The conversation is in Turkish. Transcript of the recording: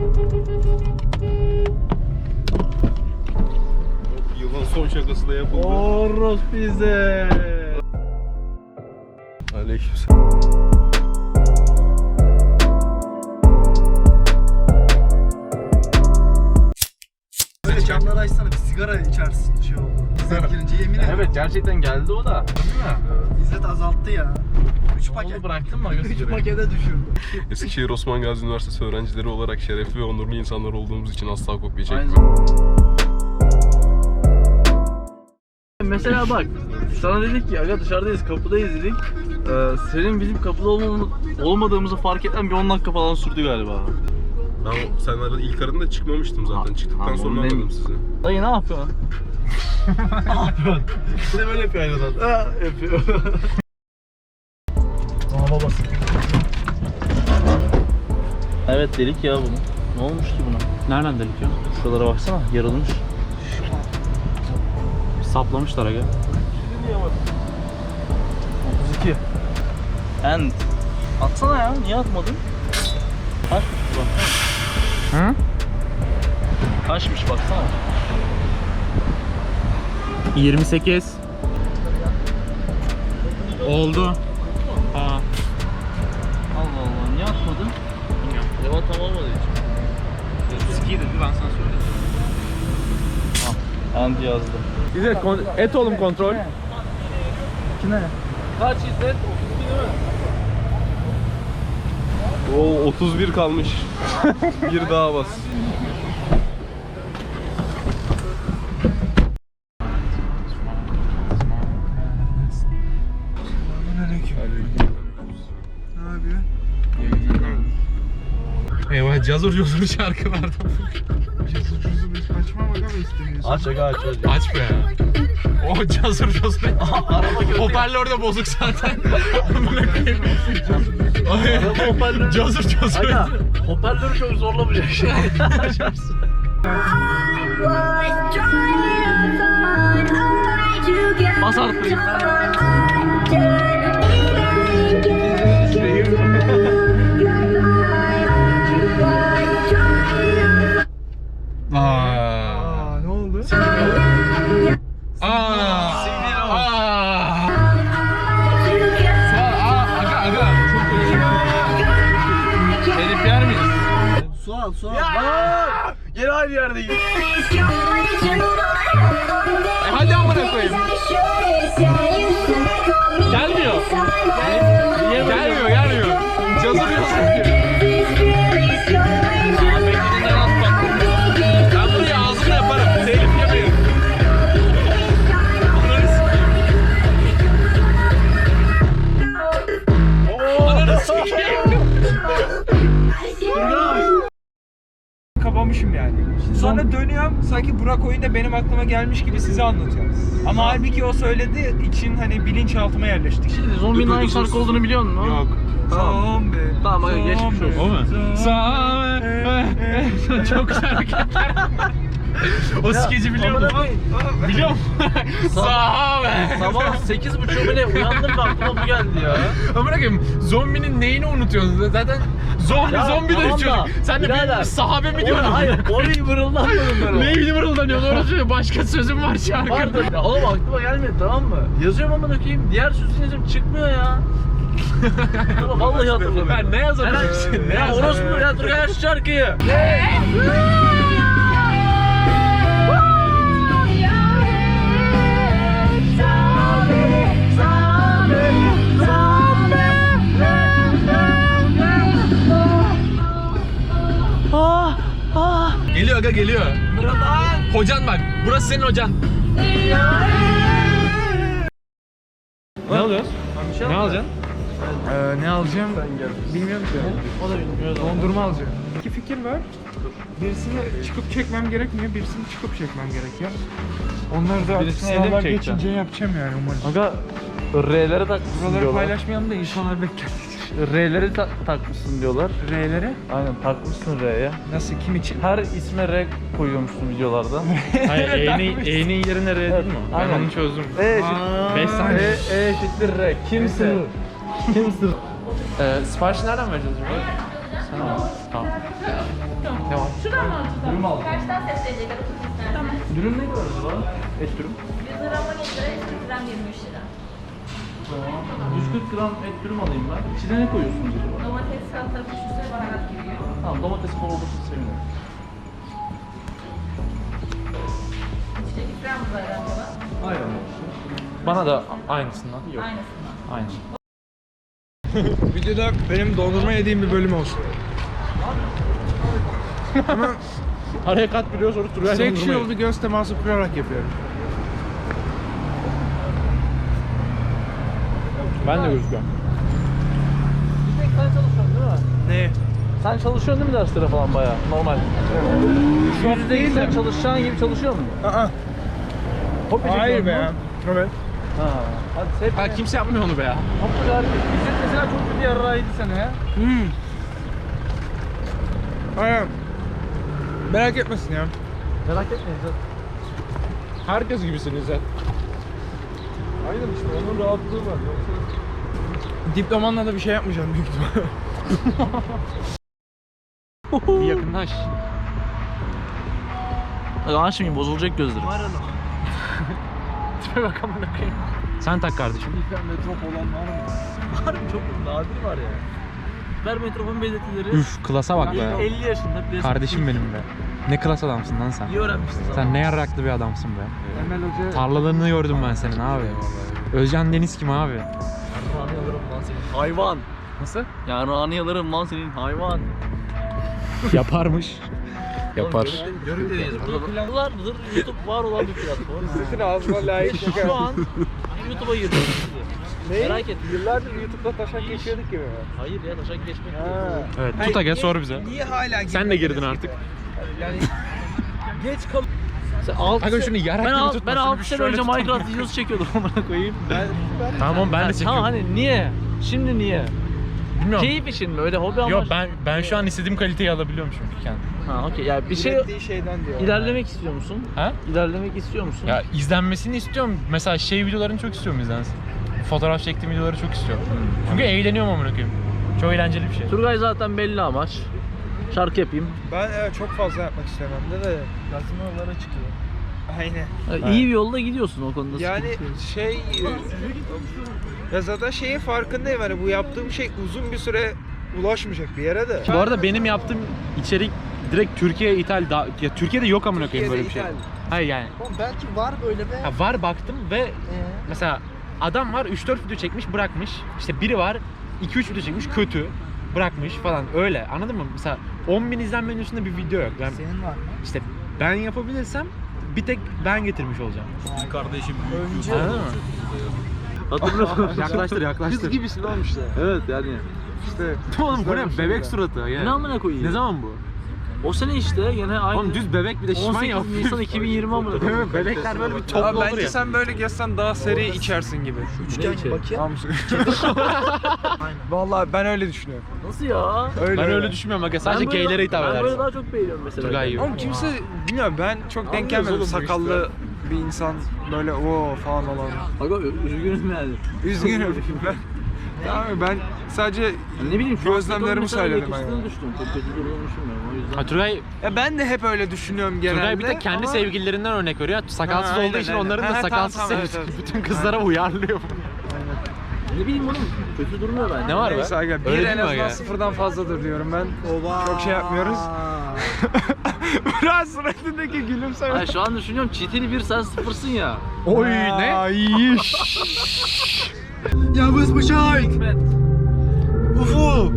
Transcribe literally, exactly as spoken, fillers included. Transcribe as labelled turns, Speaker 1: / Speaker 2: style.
Speaker 1: Yılın son şakası da yapıldı.
Speaker 2: Oros bize.
Speaker 1: Aleykümselam.
Speaker 2: Böyle camları açsana, bir sigara içersin şey oldu. İzzet girince yemin ederim.
Speaker 3: Evet, gerçekten geldi o da.
Speaker 2: İzzet azalttı ya. üç paket.
Speaker 3: Onu bıraktın mı?
Speaker 2: üç pakete düşürdü.
Speaker 1: Eskişehir Osman Gazi Üniversitesi öğrencileri olarak şerefli ve onurlu insanlar olduğumuz için asla kopya çekmiyoruz.
Speaker 3: Mesela bak, sana dedik ki aga dışarıdayız, kapıdayız dedik. Ee, senin bizim kapıda olmam- olmadığımızı fark eden bir on dakika falan sürdü galiba.
Speaker 1: Ben sen arada ilk arında çıkmamıştım zaten.
Speaker 3: Ha,
Speaker 1: Çıktıktan
Speaker 3: ha,
Speaker 1: sonra
Speaker 3: onu
Speaker 1: anladım
Speaker 3: nem-
Speaker 1: sizi.
Speaker 3: Dayı ne yapıyorsun? Ne yapıyorsun? Bir de böyle yapıyor aynı adam. Ha, yapıyor.
Speaker 2: Aa babası.
Speaker 3: Evet, delik ya bunu. Ne olmuş ki buna? Nereden delik ya? Şuralara baksana, yarılmış. Saplamışlar aga. otuz iki. End. Atsana ya, niye atmadın? Kaçmış bu baksana.
Speaker 4: Hı?
Speaker 3: Kaçmış baksana.
Speaker 4: yirmi sekiz. Oldu. Ha.
Speaker 3: Allah Allah, niye atmadın? Bilmiyorum. Leva tam olmadığı için.
Speaker 4: otuz iki dedi, ben sana söyledim.
Speaker 3: End yazdı.
Speaker 4: İzzet, et oğlum kontrol.
Speaker 2: Kime?
Speaker 3: Kaç İzzet? otuz iki değil mi?
Speaker 1: Oo otuz bir kalmış. Bir daha bas.
Speaker 2: Ne yapıyor?
Speaker 4: Eyvah, cazur cazur şarkılardan.
Speaker 3: Aç aga aç aç.
Speaker 4: Aç be. O cazur cazur. Hoparlör de bozuk zaten.
Speaker 3: Hoparlör.
Speaker 4: Cazur cazur.
Speaker 3: Aga hoparlörü çok zorlamayacak şey. Açarsın. Bas artık.
Speaker 4: Aa.
Speaker 2: Aa ne oldu?
Speaker 4: Aa. Aa. Aa, aga aga. Herif yer miyiz?
Speaker 2: Su al su al.
Speaker 3: Aa, yine aynı yerdeyiz.
Speaker 4: E hadi amına koyayım. Gelmiyor. Gelmiyor, gelmiyor. Cazır cazır. Ben buraya ağzımla yaparım. Telif yemeyin. Ananı sikeyim.
Speaker 5: Kapamışım yani. Sonra dönüyorum sanki Burak oyunda benim aklıma gelmiş gibi size anlatıyorum. Ama halbuki o söyledi için hani bilinçaltıma yerleştik.
Speaker 3: Şimdi zombinin hangi şarkı olduğunu biliyor musun?
Speaker 1: Yok.
Speaker 3: Tamam.
Speaker 5: Zombi.
Speaker 3: Tamam hadi geçmiş olsun.
Speaker 4: O mu? Sağ çok güzel hareketler. O skeci biliyor musun? Biliyor musun? Sağ
Speaker 3: Sabah sekiz buçuk bile uyandım ve aklıma bu geldi ya.
Speaker 4: Ama bırakayım, zombinin neyini unutuyorsun? Zaten zombi
Speaker 3: Ya,
Speaker 4: zombi de
Speaker 3: tamam da,
Speaker 4: çocuk. Sen de
Speaker 3: birader,
Speaker 4: bir sahabe mi
Speaker 3: Orada,
Speaker 4: diyorsun?
Speaker 3: hayır orayı mırıldanmadım ben o.
Speaker 4: Neyini mırıldanıyorsun? Orası başka sözüm var şarkıda.
Speaker 3: Vardı. Ya oğlum aklıma gelmedi tamam mı? Yazıyorum ama dökeyim. Diğer sözünü yazıyorum çıkmıyor ya. Ama vallahi hatırlamıyorum.
Speaker 4: Ben ne yazabilirsin? Ne
Speaker 3: Ya
Speaker 4: yazabilirsin?
Speaker 3: orospu ya dur gel şu şarkıyı. Ah, ah.
Speaker 4: Geliyor aga geliyor. Hocan bak. Burası senin hocan. Ne alıyorsun? Ne alacaksın?
Speaker 5: Ee, ne alacağım? Bilmiyorum ki.
Speaker 3: O da bilmiyor.
Speaker 5: Dondurma alacağım. İki fikir var. Birisini çıkıp çekmem gerekmiyor, birisini çıkıp çekmem gerekiyor. Onları da
Speaker 3: Birisini evde mi
Speaker 5: sınavlar
Speaker 3: çekeceksin?
Speaker 5: geçince yapacağım yani umarım.
Speaker 3: Aga R'lere takmışsın
Speaker 5: Buraları
Speaker 3: diyorlar.
Speaker 5: paylaşmayalım da insanlar bekler.
Speaker 3: R'leri ta- takmışsın diyorlar.
Speaker 5: R'lere?
Speaker 3: Aynen takmışsın R'ye.
Speaker 5: Nasıl, kim için?
Speaker 3: Her isme R koyuyormuşsun videolarda.
Speaker 4: Hayır, E'nin E'nin yerine R değil mi? Ben
Speaker 3: Aynen.
Speaker 4: onu çözdüm.
Speaker 3: E eşit.
Speaker 4: beş saniye.
Speaker 3: E, e eşittir R. Kimsin? Kimsin?
Speaker 4: Ee, siparişi nereden vereceğiz şimdi? Tamam. Devam.
Speaker 6: Şuradan mı alacağız?
Speaker 3: Dürüm aldım.
Speaker 6: Karşıdan seslenecek. Tamam.
Speaker 3: Dürüm ne kadar acaba? Et dürüm.
Speaker 6: yüz gram on yedi lira, yüz kırk gram yirmi üç lira.
Speaker 3: Tamam. yüz kırk gram et dürüm alayım ben. İçine ne koyuyorsunuz acaba?
Speaker 6: Domates, salatalık, üstüne baharat giriyor.
Speaker 3: Tamam, domates bol olursa sevinirim.
Speaker 6: İçecek ikramımız var acaba.
Speaker 3: Ayran olsun.
Speaker 4: Bana da aynısından. Yok.
Speaker 6: Aynısından.
Speaker 4: Aynı.
Speaker 5: Videoda benim dondurma yediğim bir bölüm olsun.
Speaker 4: Araya kat biliyor sonra Turgay
Speaker 5: Sexual bir göz teması kurarak yapıyorum.
Speaker 4: Ben de gözüküyorum.
Speaker 3: Bir tek sen çalışıyorsun değil mi?
Speaker 5: Ne?
Speaker 3: Sen çalışıyorsun değil mi derslere falan bayağı? Normal.
Speaker 5: Çok
Speaker 3: Yüzde
Speaker 5: değil
Speaker 3: yüz sen
Speaker 5: de.
Speaker 3: çalışacağın gibi çalışıyor musun?
Speaker 5: Aa,
Speaker 3: Kopya
Speaker 5: hayır
Speaker 3: çekiyorsun
Speaker 5: be
Speaker 3: mu?
Speaker 5: ya. Evet.
Speaker 3: Ha. Hadi sevk.
Speaker 4: Ha, kimse yapmıyor onu be ya.
Speaker 3: Çok harika. İzzet mesela çok kötü yarrağıydı sana ya.
Speaker 5: Hmm. Aynen. Merak etmesin ya.
Speaker 3: Merak etme İzzet.
Speaker 4: Herkes gibisiniz ya.
Speaker 1: Aynen işte onun rahatlığı var. Yoksa
Speaker 5: Diplomanla da bir şey yapmayacağım büyük ihtimalle.
Speaker 4: Bir yakınlaş.
Speaker 3: Açmayayım, bozulacak gözlerim.
Speaker 4: Tipe bak amına koyayım. Sen tak kardeşim.
Speaker 3: Hipermetrop olan var mı? Var mı? Çok nadir var ya. Hipermetropun belirtileri.
Speaker 4: Üf, klasa bak be.
Speaker 3: elli yaşında plastik.
Speaker 4: Kardeşim benim be. Ne klas adamsın lan sen.
Speaker 3: İyi öğrenmişsin zaten.
Speaker 4: Sen ne yarraklı bir adamsın be.
Speaker 5: Emel Hoca.
Speaker 4: Tarlalarını gördüm ben senin abi. Özcan Deniz kim abi?
Speaker 3: Yarrağını yalarım lan senin. Hayvan.
Speaker 4: Nasıl?
Speaker 3: Yarrağını yalarım lan senin hayvan.
Speaker 4: Yaparmış. Yapar.
Speaker 3: Görükteyiz burada. Yıllardır YouTube var olan bir platform.
Speaker 5: Sizin ağzıma layık şaka.
Speaker 3: Şu an YouTube'a girdim. Merak ettim.
Speaker 5: Yıllardır YouTube'da taşak geçiyorduk gibi.
Speaker 3: Hayır ya, taşak geçmek
Speaker 5: Ha.
Speaker 3: değil.
Speaker 4: Evet,
Speaker 5: Hayır,
Speaker 4: tut aga
Speaker 5: niye-
Speaker 4: sor bize.
Speaker 5: Niye hala
Speaker 4: Sen de girdin artık.
Speaker 5: Yani
Speaker 3: Geç kal. Sen altı
Speaker 4: Aga
Speaker 3: se-
Speaker 4: şunu yarak
Speaker 3: ben
Speaker 4: gibi
Speaker 3: al-
Speaker 4: tutma,
Speaker 3: Ben
Speaker 4: şunu
Speaker 3: altı
Speaker 4: bir
Speaker 3: sene
Speaker 4: şöyle
Speaker 3: önce
Speaker 4: tutalım.
Speaker 3: Minecraft videosu çekiyordum amına koyayım. Ben,
Speaker 4: Tamam ben de
Speaker 3: Ha,
Speaker 4: çekiyorum.
Speaker 3: tamam hani niye? Şimdi niye?
Speaker 4: Bilmiyorum.
Speaker 3: Keyif için mi? Öyle hobi amaçlı.
Speaker 4: Yok ben ben şu an istediğim kaliteyi alabiliyorum çünkü kendim.
Speaker 3: Ha okey. Yani bir şey
Speaker 5: ürettiği şeyden diyor.
Speaker 3: ilerlemek istiyor musun?
Speaker 4: Ha?
Speaker 3: İlerlemek istiyor musun?
Speaker 4: Ya izlenmesini istiyorum. Mesela şey videolarını çok istiyorum izlensin. Fotoğraf çektiğim videoları çok istiyorum. Çünkü eğleniyorum amına koyayım. Çok eğlenceli bir şey.
Speaker 3: Turgay zaten belli amaç. Şarkı yapayım.
Speaker 5: Ben evet, çok fazla yapmak istemem de de.
Speaker 3: Gazinolara çıkıyor.
Speaker 5: Aynen.
Speaker 3: Yani İyi bir yolda gidiyorsun o konuda.
Speaker 5: Yani
Speaker 3: sıkıntı yok.
Speaker 5: şey ya zaten şeyin farkındayım, hani bu yaptığım şey uzun bir süre ulaşmayacak bir yere de.
Speaker 4: Bu arada benim yaptığım içerik direkt Türkiye'ye ithal. Da, ya Türkiye'de yok amına koyayım böyle bir şey.
Speaker 5: Türkiye'de
Speaker 4: Hayır yani.
Speaker 2: Oğlum belki var böyle be.
Speaker 4: Ha, var baktım ve
Speaker 2: Ee?
Speaker 4: mesela adam var üç dört video çekmiş bırakmış. İşte biri var iki üç video çekmiş kötü bırakmış falan öyle, anladın mı? Mesela on bin izlenmenin üstünde bir video yok. Ben,
Speaker 2: Senin var mı?
Speaker 4: işte ben yapabilirsem bir tek ben getirmiş olacağım.
Speaker 3: Kardeşim
Speaker 2: Önce
Speaker 4: Anladın mı?
Speaker 3: Hatırlıyor
Speaker 4: Yaklaştır yaklaştır.
Speaker 2: kız gibisin oğlum işte.
Speaker 3: Evet yani.
Speaker 5: İşte
Speaker 4: Oğlum bu ne?
Speaker 5: kızlar
Speaker 4: Bebek
Speaker 5: bir
Speaker 4: suratı ya.
Speaker 3: Ne amına koyayım?
Speaker 4: Ne zaman bu?
Speaker 3: O sene işte yine aynı.
Speaker 4: Oğlum düz bebek bir de şişman
Speaker 3: on
Speaker 4: ya.
Speaker 3: sekiz Nisan iki bin yirmi amına
Speaker 4: Değil
Speaker 3: koyayım.
Speaker 4: mi? Bebekler böyle bir
Speaker 5: Abi
Speaker 4: toplu olur
Speaker 5: bence
Speaker 4: ya.
Speaker 5: sen böyle gezsen daha seri içersin gibi.
Speaker 2: Üçgen
Speaker 3: içeri?
Speaker 2: bakayım.
Speaker 5: Tamam. Vallahi ben öyle düşünüyorum.
Speaker 3: Nasıl ya?
Speaker 5: Öyle
Speaker 4: Ben öyle düşünmüyorum aga. Sadece
Speaker 3: Ben böyle-
Speaker 4: gaylere hitap
Speaker 3: Ben böyle
Speaker 4: edersin.
Speaker 3: daha çok beğeniyorum mesela.
Speaker 4: Turgay gibi.
Speaker 5: Oğlum kimse bilmiyorum, ben çok denk
Speaker 3: Anlıyoruz
Speaker 5: gelmedim
Speaker 3: oğlum bu
Speaker 5: sakallı bir insan böyle o falan olan.
Speaker 3: Aga üzgünüm yani.
Speaker 5: Üzgünüm ben. Tamam mı? Ben sadece
Speaker 3: Ne bileyim şu an
Speaker 5: gözlemlerimi
Speaker 3: mesela
Speaker 5: söyledim.
Speaker 3: yakıştığını
Speaker 5: Yani.
Speaker 3: düşündüm. Çok kötü durduğunu düşünmüyorum o yüzden.
Speaker 4: Ha, Turgay,
Speaker 5: Ya ben de hep öyle düşünüyorum genelde.
Speaker 4: Turgay bir de kendi
Speaker 5: ama-
Speaker 4: sevgililerinden örnek veriyor. Sakalsız
Speaker 5: Ha,
Speaker 4: olduğu
Speaker 5: aynen,
Speaker 4: için
Speaker 5: aynen.
Speaker 4: onların
Speaker 5: Ha,
Speaker 4: da
Speaker 5: ha,
Speaker 4: sakalsız
Speaker 5: tamam, tamam,
Speaker 4: sevgisi.
Speaker 5: evet, evet.
Speaker 4: Bütün kızlara uyarlıyor.
Speaker 3: Ne bileyim oğlum kötü durmuyor bence.
Speaker 4: Ne var be?
Speaker 5: Neyse aga, bir
Speaker 4: Öyle
Speaker 5: en
Speaker 4: değil mi
Speaker 5: azından
Speaker 4: aga?
Speaker 5: sıfırdan fazladır diyorum ben.
Speaker 2: Oba.
Speaker 5: Çok şey yapmıyoruz. Biraz suratındaki gülümseme.
Speaker 3: Ay şu an düşünüyorum çeteli bir sen sıfırsın ya.
Speaker 4: Oy ne?
Speaker 5: Ay.
Speaker 2: Yavuz Bıçak.
Speaker 3: Hikmet.
Speaker 2: Ufu.